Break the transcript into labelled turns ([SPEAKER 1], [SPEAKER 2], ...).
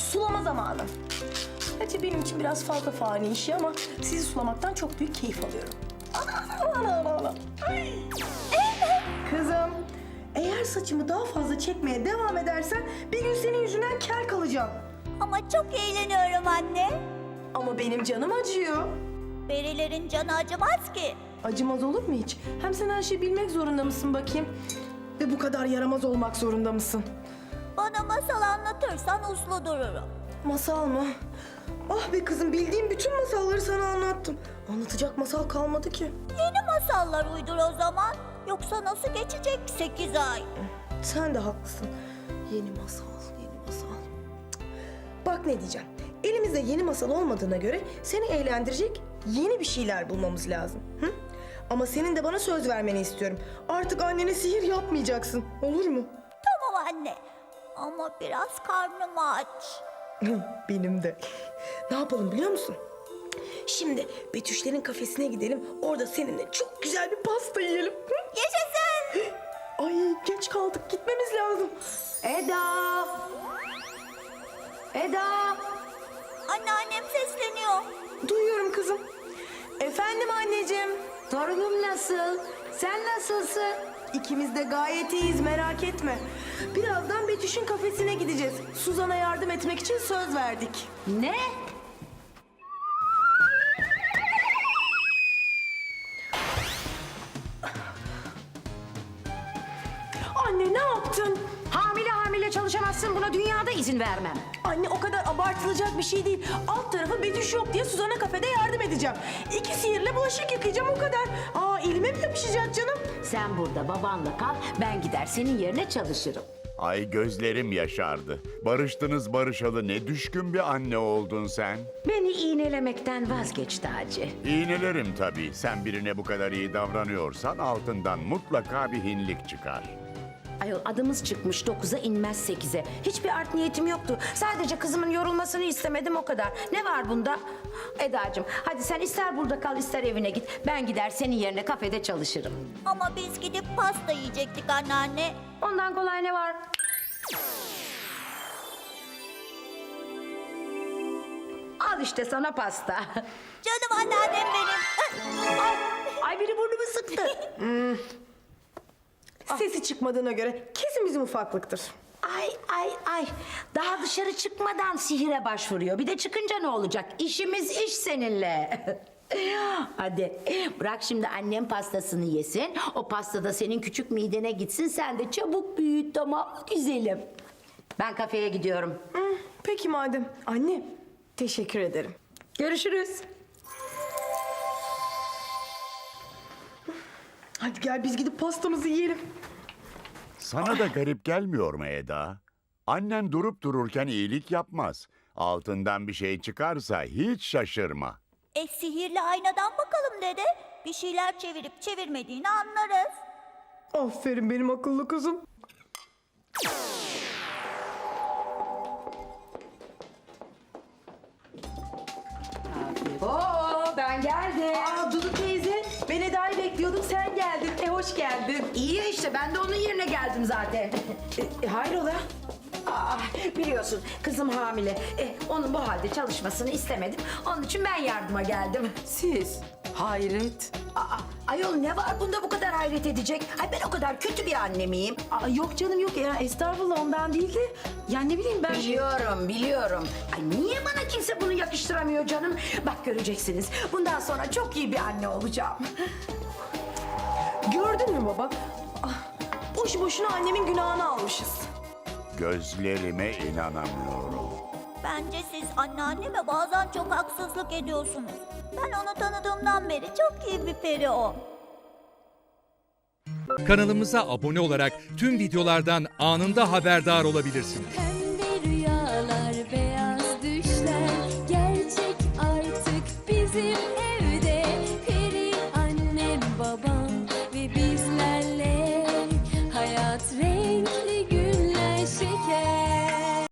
[SPEAKER 1] sulama zamanı. Gerçi benim için biraz fazla fani işi ama sizi sulamaktan çok büyük keyif alıyorum. Ana. Ay. Kızım, eğer saçımı daha fazla çekmeye devam edersen bir gün senin yüzünden kel kalacağım.
[SPEAKER 2] Ama çok eğleniyorum anne.
[SPEAKER 1] Ama benim canım acıyor.
[SPEAKER 2] Perilerin canı acımaz ki.
[SPEAKER 1] Acımaz olur mu hiç? Hem sen her şeyi bilmek zorunda mısın bakayım? Ve bu kadar yaramaz olmak zorunda mısın?
[SPEAKER 2] Bana masal anlatırsan uslu dururum.
[SPEAKER 1] Masal mı? Ah be kızım, bildiğim bütün masalları sana anlattım. Anlatacak masal kalmadı ki.
[SPEAKER 2] Yeni masallar uydur o zaman. Yoksa nasıl geçecek 8 ay?
[SPEAKER 1] Sen de haklısın. Yeni masal, yeni masal. Cık. Bak ne diyeceğim. Elimizde yeni masal olmadığına göre seni eğlendirecek yeni bir şeyler bulmamız lazım. Hı? Ama senin de bana söz vermeni istiyorum. Artık annene sihir yapmayacaksın. Olur mu?
[SPEAKER 2] Tamam anne. Ama biraz karnım aç.
[SPEAKER 1] Benim de. Ne yapalım biliyor musun? Şimdi Betüşlerin kafesine gidelim. Orada seninle çok güzel bir pasta yiyelim. Hı?
[SPEAKER 2] Yaşasın.
[SPEAKER 1] Ay geç kaldık. Gitmemiz lazım. Eda! Eda!
[SPEAKER 2] Anneannem sesleniyor.
[SPEAKER 1] Duyuyorum kızım. Efendim anneciğim.
[SPEAKER 3] Torunum nasıl? Sen nasılsın?
[SPEAKER 1] İkimiz de gayet iyiyiz, merak etme. Birazdan Betüş'ün kafesine gideceğiz. Suzan'a yardım etmek için söz verdik.
[SPEAKER 3] Ne?
[SPEAKER 1] Anne ne yaptın?
[SPEAKER 3] Hamile çalışamazsın, buna dünyada izin vermem.
[SPEAKER 1] Anne o kadar abartılacak bir şey değil. Alt tarafı Betüş yok diye Suzan'a kafede yardım edeceğim. 2 sihirle bulaşık yıkayacağım, o kadar. Aa, elime mi yapışacak canım?
[SPEAKER 3] Sen burada babanla kal, ben gider senin yerine çalışırım.
[SPEAKER 4] Ay gözlerim yaşardı. Barıştınız barışalı ne düşkün bir anne oldun sen.
[SPEAKER 3] Beni iğnelemekten vazgeç Taci.
[SPEAKER 4] İğnelerim tabii. Sen birine bu kadar iyi davranıyorsan altından mutlaka bir hinlik çıkar.
[SPEAKER 3] Ayol adımız çıkmış 9'a inmez 8'e. Hiçbir art niyetim yoktu. Sadece kızımın yorulmasını istemedim, o kadar. Ne var bunda? Edacığım hadi sen ister burada kal ister evine git. Ben gider senin yerine kafede çalışırım.
[SPEAKER 2] Ama biz gidip pasta yiyecektik anneanne.
[SPEAKER 3] Ondan kolay ne var? Al işte sana pasta.
[SPEAKER 2] Canım anneannem benim.
[SPEAKER 3] Ay biri burnumu sıktı.
[SPEAKER 1] Sesi çıkmadığına göre kesin bizim ufaklıktır.
[SPEAKER 3] Ay. Daha dışarı çıkmadan sihire başvuruyor. Bir de çıkınca ne olacak? İşimiz iş seninle. Hadi bırak şimdi annem pastasını yesin. O pasta da senin küçük midene gitsin. Sen de çabuk büyüt, tamam mı güzelim? Ben kafeye gidiyorum.
[SPEAKER 1] Peki madem. Anne, teşekkür ederim.
[SPEAKER 3] Görüşürüz.
[SPEAKER 1] Hadi gel biz gidip pastamızı yiyelim.
[SPEAKER 4] Sana da garip gelmiyor mu Eda? Annen durup dururken iyilik yapmaz. Altından bir şey çıkarsa hiç şaşırma.
[SPEAKER 2] Sihirli aynadan bakalım dede. Bir şeyler çevirip çevirmediğini anlarız.
[SPEAKER 1] Aferin benim akıllı kızım.
[SPEAKER 3] Oo, ben geldim.
[SPEAKER 1] Aa Dudu teyze, ben Eda'yı bekliyordum, sen geldin. Hoş geldin.
[SPEAKER 3] İyi ya işte, ben de onun yerine geldim zaten.
[SPEAKER 1] Hayrola?
[SPEAKER 3] Biliyorsun kızım hamile. Onun bu halde çalışmasını istemedim. Onun için ben yardıma geldim.
[SPEAKER 1] Siz? Hayret.
[SPEAKER 3] Ayol ne var bunda bu kadar hayret edecek? Ay ben o kadar kötü bir anne miyim?
[SPEAKER 1] Yok canım yok ya, estağfurullah, ondan değil de. Yani ne bileyim ben.
[SPEAKER 3] Biliyorum. Ay niye bana kimse bunu yakıştıramıyor canım? Bak göreceksiniz. Bundan sonra çok iyi bir anne olacağım.
[SPEAKER 1] Gördün mü baba? Boş boşuna annemin günahını almışız.
[SPEAKER 4] Gözlerime inanamıyorum.
[SPEAKER 2] Bence siz anneanneme bazen çok haksızlık ediyorsunuz. Ben onu tanıdığımdan beri çok iyi bir peri o.
[SPEAKER 5] Kanalımıza abone olarak tüm videolardan anında haberdar olabilirsiniz.